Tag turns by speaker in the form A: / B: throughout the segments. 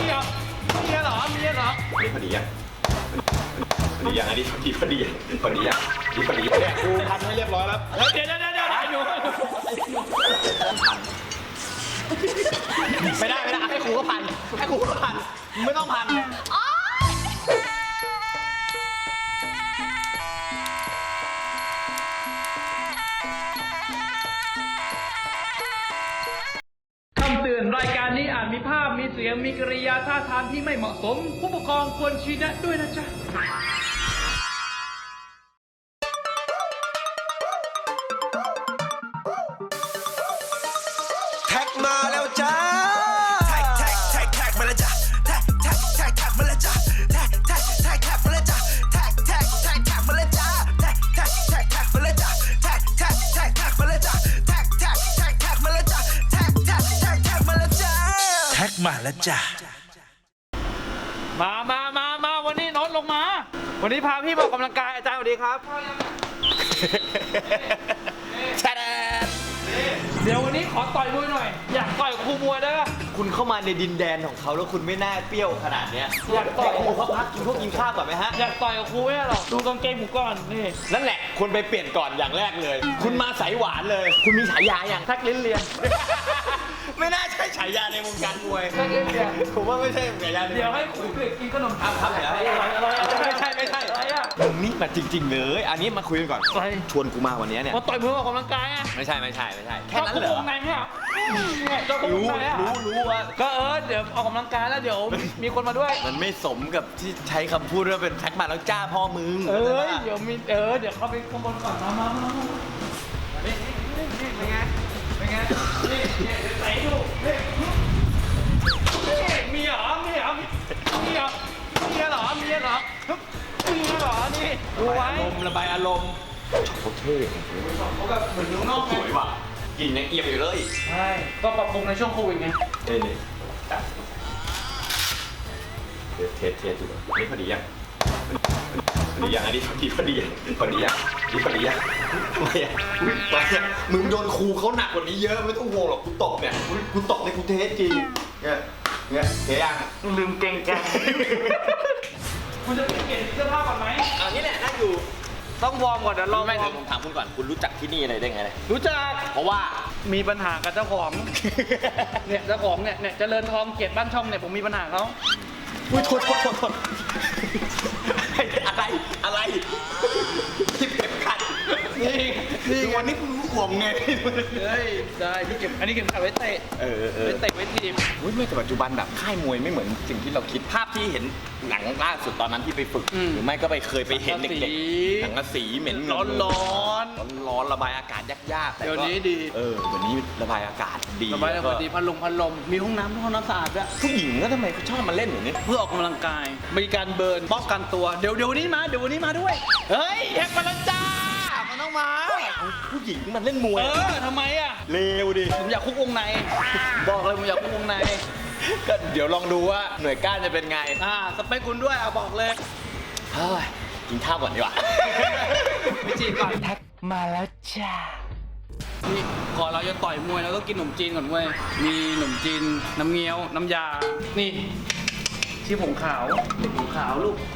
A: นี่พอดียังพอดียังอันนี้พอดียังพอดียังนี่พอดีเนี่ยกูพันให้เรียบร้อยแล้ว
B: เดี๋ยวหนูไม่ได้ให้ครูก็พันไม่ต้องพันคำเตือนรายการนี้อาจมีภาพมีเสียงมีกริยาท่าทางที่ไม่เหมาะสมผู้ปกครองควรชี้แนะด้วยนะจ๊ะ
C: แท็กมาแล้วจ้าแท็กมาแล้วจ้าแท็กมาแล้วจ้าแท็กมาแล้วจ้าแท็กมาแล้วจ้าแท็กมาแล้วจ้าแท็กมาแล้วจ้าแท็กมาแล้วจ้ามาแล้วจ้าแท็กมาแล้วจ้า
B: มาวันนี้โน้ตลงมาวันนี้พาพี่มาออกกำลังกายอาจารย์สวัสดีครับเดี๋ยววันนี้ขอต่อยมวยหน่อยอยากต่อยครูมวยได้ป่ะ
A: คุณเข้ามาในดินแดนของเขาแล้วคุณไม่น่าเปรี้ยวขนาดเนี้ย
B: อยากต่อย
A: ครูเขาพักกินข้าวก่อนไหมฮะ
B: อยากต่อยกับครูไม่ได้หรอกดูกางเกงผมก่อนนี่
A: นั่นแหละคุณไปเปลี่ยนก่อนอย่างแรกเลย คุณมาสายหวานเลย คุณมีฉายาอย่าง
B: แท็กลิ้นเลียน
A: ไม่น่าใช่ฉายาในวงการมวย
B: แท็กลิ้นเลียน
A: ผมว่าไม่ใช่ฉายา
B: เดี๋ยวให้ครูเด็กกินขนมทำ
A: เดี๋ยว
B: ไม่ใช่อะไรอ่ะ
A: มึงนี่มาจริงๆเลยอันนี้มาคุยกันก่อน
B: ไป
A: ชวนกูมาวันนี้เนี่ย
B: มาต่อยมวยออกกำลังกายอ่ะ
A: ไม่ใช่แค่นั้นเหรอ
B: วงในเนี่ยเจ้าคุกวงในอ่ะ
A: รู้ว่า
B: ก็เดี๋ยวออกกำลังกายแล้วเดี๋ยวมีคนมาด้วย
A: มันไม่สมกับที่ใช้คำพูดว่าเป็นแท็กมาแล้วจ้าพ่อมึง
B: เดี๋ยวมีเดี๋ยวเข้าไปข้างบนก่อนมานี่เป็นไงนี่ใส่ดูนี่มีเหรอนี่ดูไว้
A: ระบายอารมณ์เขาเท่
B: เขาแบบเหมือนนอก
A: สวยว่ะกลิ่นยังเอียบอยู่เลย
B: ใช่ก็ปรับปรุงในช่วงโควิดไง
A: นี่เทสดูนี่พอดียังอันนี้พอดียังนี่พอดียังไม่มึงโดนครูเขาหนักกว่านี้เยอะไม่ต้องห่วงหรอกกูตกเนี่ยกูตกในกูเทสจริงเนี่ยเทยัง
B: ลืมเก่งกันคุณจะเปลี่ยนเสื้อผ้าก่อนไหม
A: นี่แหละนั่งอยู่
B: ต้องวอร์มก่อนเดี๋ยวรอ
A: ไม่ผมถามคุณก่อนคุณรู้จักที่นี่อะไรได้ไง
B: รู้จัก
A: เพราะว่า
B: มีปัญหากับเจ้าของเนี่ยเจ้าของเนี่ยเจริญทองเกียรติบ้านช่องเนี่ยผมมีปัญหาเขา
A: อุ้ยโทษอะไรที่เก็บขัดนี่วันนี้คุณห่วงไง
B: ได้พี่เก็บอันนี้เก็บขัดไว้เตะไว้เตะไว้ทีม
A: ไม่แต่ปัจจุบันแบบค่ายมวยไม่เหมือนสิ่งที่เราคิดภาพที่เห็นหนังล่าสุดตอนนั้นที่ไปฝึกหรือไม่ก็เคยไปเห็นเด็กๆหนังกระสีเหม็น
B: ร้
A: อนระบายอากาศยาก
B: ๆเดี๋ยวนี้ดี
A: วันนี้ระบายอากาศดี
B: ระบายอากาศดีพัดลมมีห้องน้ำสะอาดด้วย
A: ผู้หญิงก็ทำไมชอบมาเล่นอย่างนี้
B: เพื่อออกกำลังกายมีการเบิร์นป้องกันตัวเดี๋ยววันนี้มาด้วยเฮ้ยแฮกมาแล้วจ้ามันต้องมา
A: ผู้หญิงมันเล่นมวย
B: ทำไมอ่ะ
A: เลวดิ
B: ผมอยากคุกวงในบอกเลยผมอยากคุกวงใน
A: ก็เดี๋ยวลองดูว่าหน่วยก้านจะเป็นไง
B: สเปคคุณด้วยบอกเลย
A: กินข้าวก่อนดีกว่า
B: ไปจีบก่อนแท็กมาแล้วจ้านี่ก่อนเราจะต่อยมวยเราก็กินขนมจีนก่อนเว้ยมีขนมจีนน้ำเงี้ยวน้ำยานี่ที่ผงขาวลูก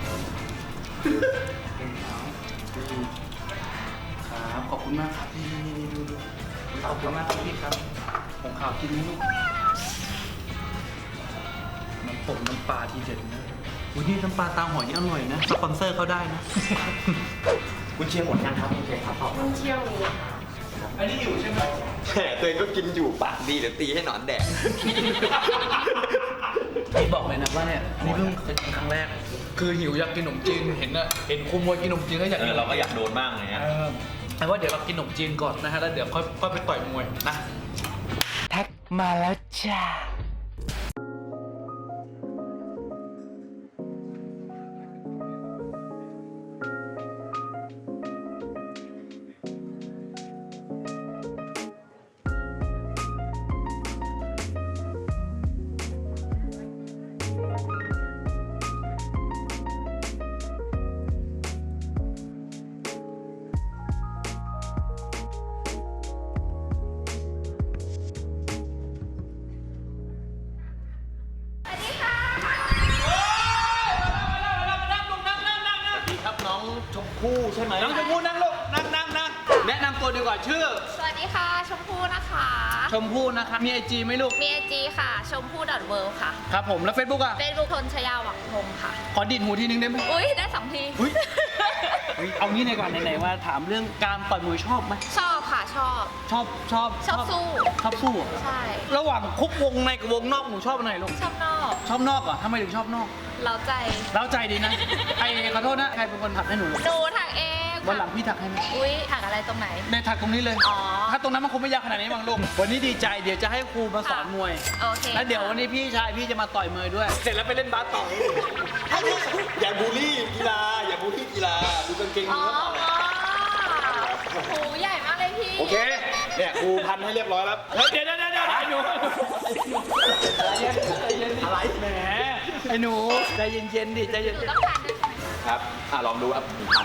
B: ครับขอบคุณมากครับพี่ขอบคุณมากครับพี่ครับผงขาวกินไหมลูกน้ำปลาทีเด็ดนะวันนี้น้ำปลาตาหอยนี่อร่อยนะสปอนเซอร์เขาได้นะ
A: คุณเชียร์หมดยังครับคุณเชียร์ครับ
D: คุณเชียร์มี
B: อันนี้อยู่ใช่ไหม
A: แต่ตัวเองก็กินอยู่ปากดีเดี๋ยวตีให้หนอนแดก
B: พี่บอกเลยนะว่าเนี่ยนี่เพิ่งเคยกินครั้งแรกคือหิวอยากกินขนมจีนเห็นครูมวยกินขนมจีนก็อยากกิน
A: เราก็อยากโดนบ้างไง
B: แต่ว่าเดี๋ยวเรากินขนมจีนก่อนนะฮะแล้วเดี๋ยวค่อยไปต่อยมวยนะแท็กมาแล้วจ้า
A: ชมพู่ใช่ไหม
B: น้องชมพู่นั่งลูกนั่งแนะนำตัวดีกว่าชื่อ
D: สวัสดีค่ะ ชมพู่นะคะ
B: ชมพู่นะคะมีไอจีไหมลูก
D: มีไอจีค่ะ ชมพู่ .world ค่ะ
B: ครับผมแล้วเฟซบุ๊กอะ
D: เฟซบุ๊กทนชยาหวังพงศ์ค่ะ
B: ขอดีดหูทีนึงได้ไหม
D: อุ้ยได้2 ที
B: อุ๊ย เอางี้ในก่อนไหนๆว่าถามเรื่องการต่อยมวยชอบไหม
D: ชอบค่ะ ชอบ
B: ชอบ
D: ชอบสู้
B: ชอบสู้เหรอ
D: ใช่
B: ระหว่างคุกวงในกับวงนอกหนูชอบอันไหนลูก
D: ชอบนอก
B: ชอบนอกเหรอทำไมถึงชอบนอก
D: เราใจ
B: เล้าใจดีนะไอ้ขอโทษนะใครเป็นคนถักให้หนู
D: หนูถักเอง
B: วันหลังพี่ถักให้ไหม
D: อุ้ยถักอะไรตรงไหน
B: ในถักตรงนี้เลย
D: อ๋อ
B: ถ้าตรงนั้นมันคงไม่ยากขนาดนี้มั้งลูกวันนี้ดีใจเดี๋ยวจะให้ครูมาสอนมวย
D: โอเค
B: แล้วเดี๋ยววันนี้พี่ชายพี่จะมาต่อยมวยด้วย
A: เสร็จแล้วไปเล่นบาสต่ออย่าบูลลี่กีฬาอย่าบูลลี่กีฬาดูกางเกง
D: อ๋
A: มื
D: อ
A: อเขาต่อเลย
D: หูใหญ่มากเลยพี่
A: โอเคเนี่ยครูพันให้เรียบร้อยแล้ว
B: เฮ้ยเดี๋ยวไอ้หนูอะไรแหมไอ้หนูใจเย็นๆดิใจเย็น
D: หนูต้องการด้วยใช่ไหม
A: ครับลองดูครับพัน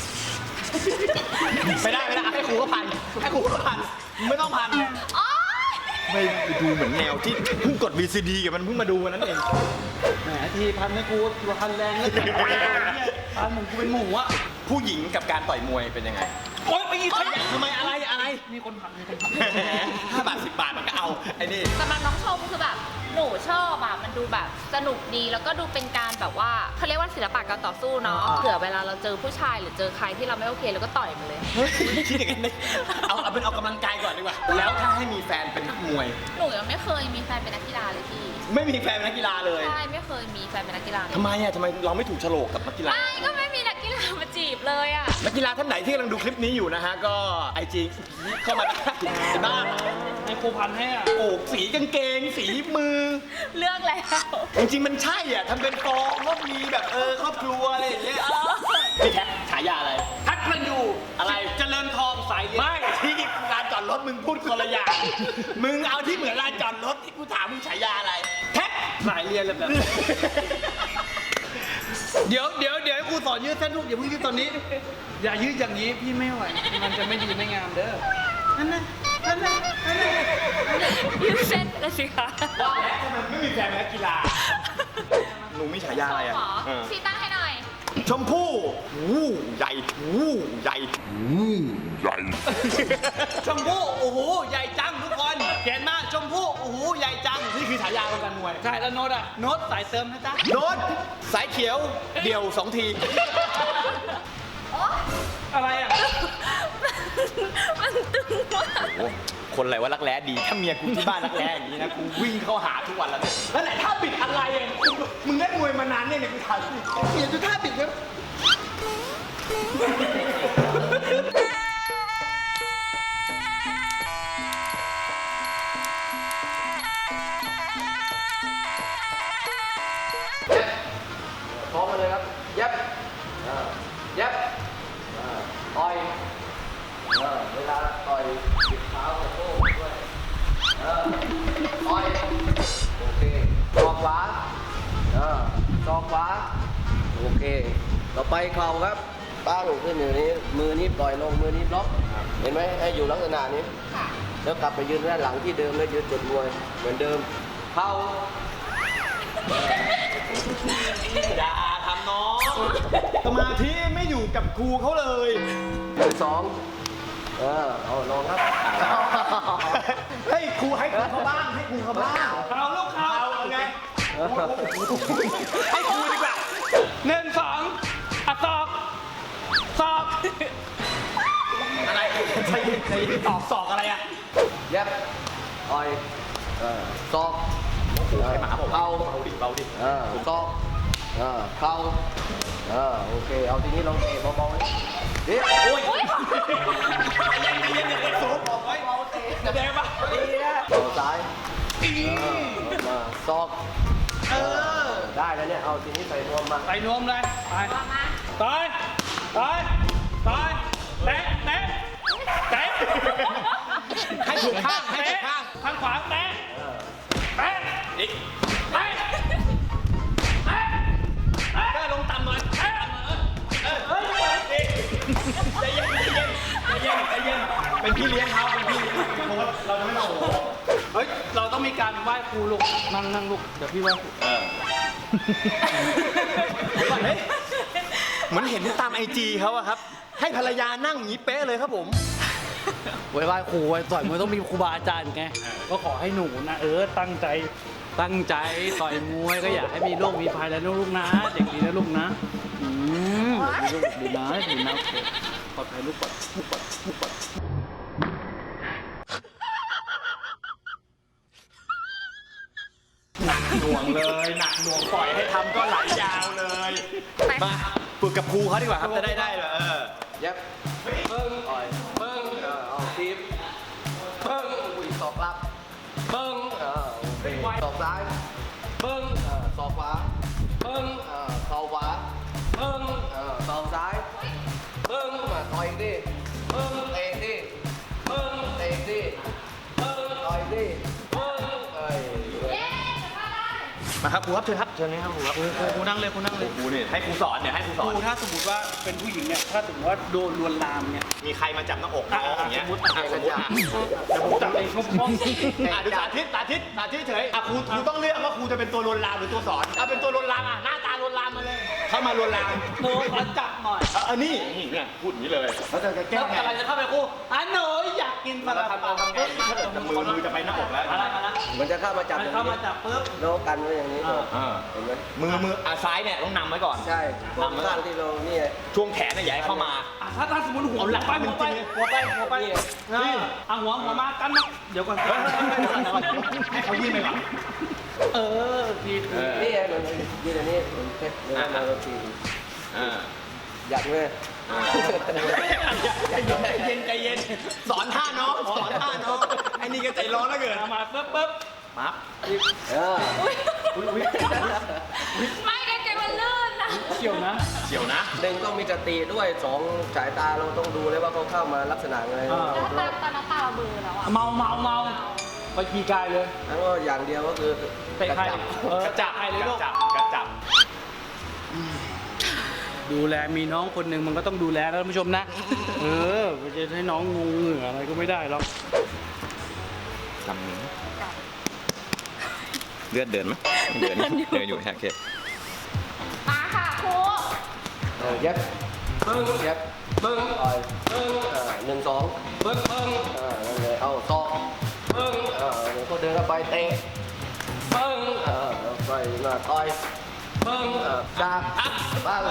A: ไม่ได้ให้ครูก็พันไม่ต้องพัน
D: อ๋อ
A: ไม่ดูเหมือนแนวที่เพิ่งกด VCD กับมันเพิ่งมาดูวันนั้นเอง
B: แหมทีพันให้กูตัวพันแรงแล้วพันเหมือนกูเป็นหมูอะ
A: ผู้หญิงกับการต่อยมวยเป็นยังไง
B: โอ๊ยไปยิงขยะ
A: ทำไมอะไร
B: มีคนผัก
A: 5 บาท 10 บาทมันก็เอาไอ้นี่
D: สำหรับน้องชมคือแบบหนูชอบอะมันดูแบบสนุกดีแล้วก็ดูเป็นการแบบว่าเขาเรียกว่าศิลปะการต่อสู้เนาะเผื่อเวลาเราเจอผู้ชายหรือเจอใครที่เราไม่โอเคเราก็ต่อยมันเลย
A: เฮ้ยคิดอย่างนั้นเลยเอาเป็นออกกำลังกายก่อนดีกว่า แล้วถ้าให้มีแฟนเป็นนักมวย
D: หนูยังไม่เคยมีแฟนเป็นนักกีฬาเลยพี่
A: ไม่มีแฟนเป็นนักกีฬาเลย
D: ใช่ไม่เคยมีแฟนเป็นนักกีฬาเลย
A: ทำไมเราไม่ถูกโฉลกกับนักกีฬา
D: ไม่ก็ไม่มีนักกีฬามาจีบเลยอะ
A: นักกีฬาท่านไหนที่กำลังดูคลิปนี้อยู่นะฮะ ก็ไอจีเข้ามาได้บ้าง
B: ให้ครูพันให้อะ
A: โอ้สีกางเกง สีมือ
D: เลือกแล้ว
A: จริงๆมันใช่อ่ะทำเป็นฟองก็มีแบบครอบครัวอะไรอย่างเงี้ยพี่แท็กฉายาอะไร
B: ทักมันอยู่
A: อะไร
B: เจริญทองสายเลี้ยง
A: ไม่ที่ลานจอดรถมึงพูดคนละอย่าง มึงเอาที่เหมือนลานจอดรถที่กูถามมึงฉายาอะไร แท็ก
B: สายเรียนเลยแบบเดี๋ยวให้ครูสอนยืดเส้นลูกอย่าเพิ่งยืดตอนนี้ อย่ายืดอย่างนี้พี่ไม่ไหวมันจะไม่ดีไม่งามเด้อนั่นนะ
D: ยืดเส้นเลยสิคะ
A: ว่าแล้วทำไมไม่มีแฟนเป็นนักกีฬา หนูมีฉายาอะไรอ่ะ
D: หมอชี้ตั้งให้หน่อย
A: ชมพู่วู้ใหญ่วู้ใหญ่
B: ชมพู่โอ้โหใหญ่จังทุกคนเห็นมาชมพู่โอ้โหใหญ่จัง
A: นี่คือฉายาของการมวย
B: ใช่แล้วโน้ตอะโน้ตสายเติมนะจ๊ะ
A: โน้ตสายเขียวเดี่ยว 2 ที
B: อะไรอะ
D: มันตึงมาก
A: โอ้คนอะไรว่ารักแร้ดี ถ้าเมียกูที่บ้านรักแร้อย่างนี้นะกูวิ่งเข้าหาทุกวันแล้วเนี่ยแล้วไหนท่าบิดอะไรอ่ะมึงเล่นมวยมานานเนี่ยกูถามเปลี่ยนดูท่าบิดแล้ว
E: พร้อมกันเลยครับ ยับยับต่อยเวลาต่อยบิดเท้ากับโต้ด้วยต่อยโอเคศอกขวาศอกขวาโอเค ต่อไปเข่าครับตั้งขึ้นอยู่นี้ มือนี้ปล่อยลง มือนี้บล็อก เห็นไหมให้อยู่ลักษณะนี้ แล้วกลับไปยืนด้านหลังที่เดิมแล้วยืนจุดมวยเหมือนเดิม เข่า
A: อย่าทำน้องสมาธิไม่อยู่กับครูเขาเลย
E: 1 2เอาลองครับ
A: ให้ครูให้ครูเขาบ้างให้ครูเขาบ้าง
B: เขาลูกเขา
A: เอาไงให้ครูดีกว่า
B: 1 2อ่ะศอก
A: อะไรใจเย็นตอกอะไรอ่ะ
E: ยับต่อยศอก
A: ให้หมาผม
E: เข่า
A: เบาดิเบาดิ
E: ศอกเข่าโอเค เอาทีนี้ลองเตะเบาๆดิเดี๋ยว
A: โอ้ยใจเย็นอย่าสูบบอกไว้เบาเตะจะแดงปะ
E: ดีนะเอาซ้ายมาศอกได้แล้วเนี่ย เอาทีนี้ใส่นวมมา
B: ไปนวมเลยไป
D: มามา
B: ต่อยแตะ
A: ให้ถูกข้างให้ถูกข้าง
B: ข้างขวาแตะ
A: อีก
B: ได้ลงต่ำหน่อย
A: ใจเย็นเป็นพี่เลี้ยงเขาเป็นพี่เลี้ยงโค้ชเราจะไม่มาโอ้โห
B: เฮ้ยเราต้องมีการไหว้ครูลูกนั่งลูกเดี๋ยวพี่ไหว้ครู
A: เฮ้ยเหมือนเห็นตามไอจีเขาอะครับ ให้ภรรยานั่งอย่างนี้เป๊ะเลยครับผม
B: ไว้ไหว้ครูไว้ต่อยมวยต้องมีครูบาอาจารย์ไงก็ขอให้หนูนะตั้งใจต่อยมวยก็อยากให้มีโรคมีภัยแล้วลูกนะเด็กดีนะลูกนะลูกดีนะโอเคปลอดภัยลูกปลอด
A: หนักหน่วงเลยหนักหน่วงปล่อยให้ทำก็ไหลยาวเลย
D: ไป
A: มาฝึกกับครูเขาดีกว่าครับจะได้เลย
E: เย็บเบิ้งต่อยเบิ้งเอาทีบเบิ้งอุ้ยศอกรับเบิ้งศอกซ้ายเบิ้งศอกขวาเบิ้งเข่าขวาเบิ้งเข่าซ้ายเบิ้งต่อยดิเบิ้งเตะดิเบิ้งเตะดิเบิ้งต่อยดิเบิ้ง
A: มาครับครูครับเชิญครับเชิญนะครับครูครับ
B: ครูนั่งเลยครูนั่งเลย
A: ครูนี่ให้ครูสอนเนี่ยให้ครูส
B: ค
A: อน
B: รูถ้าสมมติว่าเป็นผู้หญิงเนี่ยถ้าสมมติว่าโดนลวนลามเนี่ย
A: มีใครมาจับหน้าอกน้องอย่างเงี้ย
B: สมมุติ
A: สมมติเดี๋ยวผมจับเองงงดูสาธิตเฉยครูต้องเลือกว่าครูจะเป็นตัวลวนลามหรือตัวสอนเอาเป็นตัวลวนลามหน้าตาลวนลามมาเลยเข้ามาลวนลาม
B: หนูขอจับหน่อย
A: นี่เนี่ยพูดอย่างนี้เลยแล้วจะแก้ไง
B: อะไรจะเข้าไปครูหนูอยากกินปลา
A: ทำไงถ้าเกิดมือจะไปหน้าอกแล้ว
B: อะไร
E: มันจะเข้ามาจับ
B: เข้ามาจับปุ๊บ
E: โน้กันไว้อย่างนี้เห็นไหม
A: มือซ้ายเนี่ยต้องนำไว้ก่อน
E: ใช่ตรงข้างที่เราเนี่ย
A: ช่วงแขนเนี่ยอย่าให้เข้ามา
B: ถ้าสมมติหัว
A: เอาหลัก
B: ไป
A: จริงๆ
B: หัวไปนี่หัวมากันมาเดี๋ยวก่อน
A: ให้เขายื่นไปก่อน
B: ที
E: นี่ไงมันยืนอันนี้มันเพชรแล้วมาเราทีอยากเลย
A: ใจเย็นสอนท่าน้องไอ้นี่ก็ใจร้อนแล้วเกิน
B: มาปุ๊บ
A: ปั๊บ
D: ไม่กางเกงมันลื่นนะ
B: เกี่ยวนะ
A: เฉียวนะ
E: หนึ่งต้องมีสติด้วยสองสายตาเราต้องดูเลยว่าเขาเข้ามาลักษณะไง
D: แล้วตอนนั้นตาเราเบลอแล้วอะ
B: เมาไปขี่กายเลย
E: แล้วก็อย่างเดียวก็คือ
B: เตะใคร
A: กระจับ
B: เลยลูก
A: กระจับ
B: ดูแลมีน้องคนหนึ่งมันก็ต้องดูแลนะท่านผู้ชมนะไม่จะให้น้องงงเหงื่ออะไรก็ไม่ได้หรอก
A: ทำนี้เลือดเดินไหมเดินอยู่โอเค
D: มาค่ะครู
E: เย็บเบิ้งเย็บเบิ้งต่อยเบิ้งหนึ่งสองเบิ้งนั่นเลยเอาศอกเบิ้งเดี๋ยวก็เดินเข้าไปเตะเบิ้งไปมาต่อยเบิ้งจับบ้าง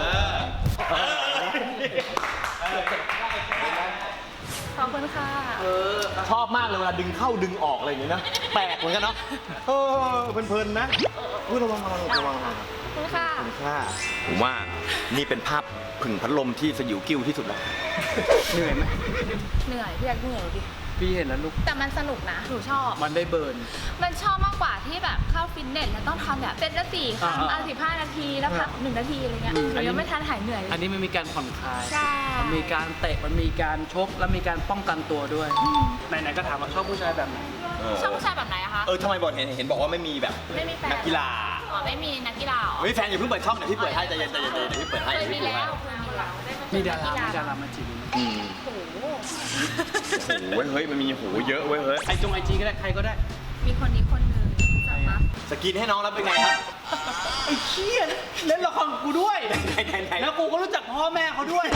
D: ขอบคุณค่ะ
A: ชอบมากเลยเวลาดึงเข้าดึงออกอะไรอย่างเงี้ยนะแปลกเหมือนกันเนาะเพลินๆนะระวัง
D: ขอบคุณค่ะ
A: ผมว่านี่เป็นภาพผึ่งพัดลมที่สยิวกิ้วที่สุดแล้ว
B: เหนื่อยไหม
D: เหนื่อยพี่อยากเหนื่อยดิ
B: พี่เห็นแล้วลูก
D: แต่มันสนุกนะ หนูชอบ
B: มันได้เบิร์น
D: มันชอบมากกว่าที่แบบเข้าฟิตเนสแล้วต้องทำแบบเซตละ4 ครั้ง 15 นาทีแล้วพัก1 นาทีอะไรเงี้ยหนูยังไม่ทันหายเหนื่อยเลย
B: อันนี้มันมีการผ่อนคลาย
D: ใช่
B: มันมีการเตะมันมีการชกแล้วมีการป้องกันตัวด้วยไหนๆก็ถามว่าชอบผู้ชายแบบไหน
D: ชอบผู้ชายแบบไหนอะคะ
A: ทำไมบอกเห็นบอกว่าไม่มีแบบ
D: ไม่มีแฟน
A: นักกีฬา
D: อ๋อไม่มีนักกีฬาเหรอ
A: ไม่มีแฟนอย่าเพิ่งเปิดช่องเดี๋ยวพี่เปิดให้ใจเย็นเดี๋ยวพี่เปิดให้
D: เคยมีแล้ว
B: มีดารามาจีบ
D: โอ้โห
A: เฮ้ยมันมีโหเยอะเว้ยเฮ้ย
B: ไอจีก็ได้ใครก็ได้
D: มีคนนี้คนหนึ่งจับมา
A: สกินให้น้องแล้วเป็นไงครับ
B: ไอ้เชี่ยเล่นละครกูด้วย
A: ไหน
B: แล้วกูก็รู้จักพ่อแม่เขาด้วย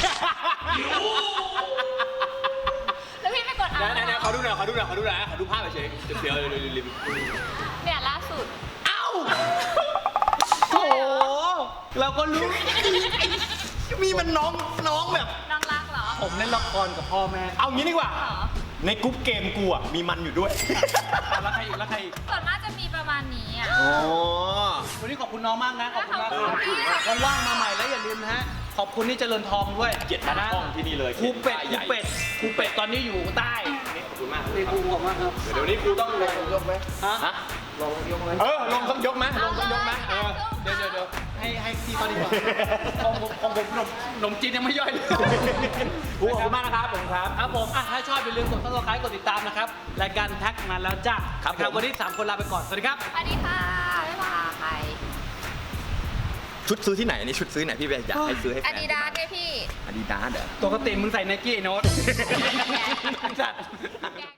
D: แล้วพี่ไม่กดอ่าน
A: ไหนขอดูหน่อยขอดูภาพเฉยเดี๋ยวรีบ
D: เนี่ยล่าสุด
B: เอ้าโอ้เราก็รู้
A: มีมันน้องแบบ
D: น้องรักเหรอ
B: ผมเล่นละครกับพ่อแม่
A: เอางี้ดีกว่า
D: เหรอ
A: ในกรุ๊ปเกมกูอ่ะมีมันอยู่ด้วย
B: แล้วใครอีก
D: ส่วนมากจะมีประมาณนี้อ่ะ
A: อ๋อ
B: วันนี้ขอบคุณน้องมากนะขอบคุณมาก
D: ขอบคุณค่ะ
B: ว่างๆมาใหม่แล้วอย่าลืมนะฮะขอบคุณที่เจริญทองด้วย
A: เกียรติทางช่องที่นี่เลย
B: ครูเป็ดตอนนี้อยู่ใต้
A: ขอบคุณมาก
B: ครูขอบมากครับ
A: เดี๋ยวนี้ครูต้องลง
E: ยกไหม
B: ฮะ
E: ลองยกไหม
A: ลงต้องยกไหมลงต้องยกไหม
B: เดี๋ยวให้พี่เขาดีกว่าของผมขนมจีนยังไม่ย่อยเลย
A: ครูขอบคุณมากนะครับผมครับ
B: ครับผมถ้าชอบอย่าลืมกด subscribe กดติดตามนะครับรายการแท็กมาแล้วจ้า
A: ครับผม
B: วันนี้3คนลาไปก่อนสวัสดีครับ
D: สวัสดีค่ะ บ๊ายบาย
A: ชุดซื้อที่ไหนอันนี้ชุดซื้อไหนพี่อยากให้ซื้อให้แฟน
D: อาดิดาสเนี่ยพี่
A: อาดิดาสเหรอ
B: ปกติมึงใส่ไนกี้ไอ้โน้ต
D: แก
B: จัด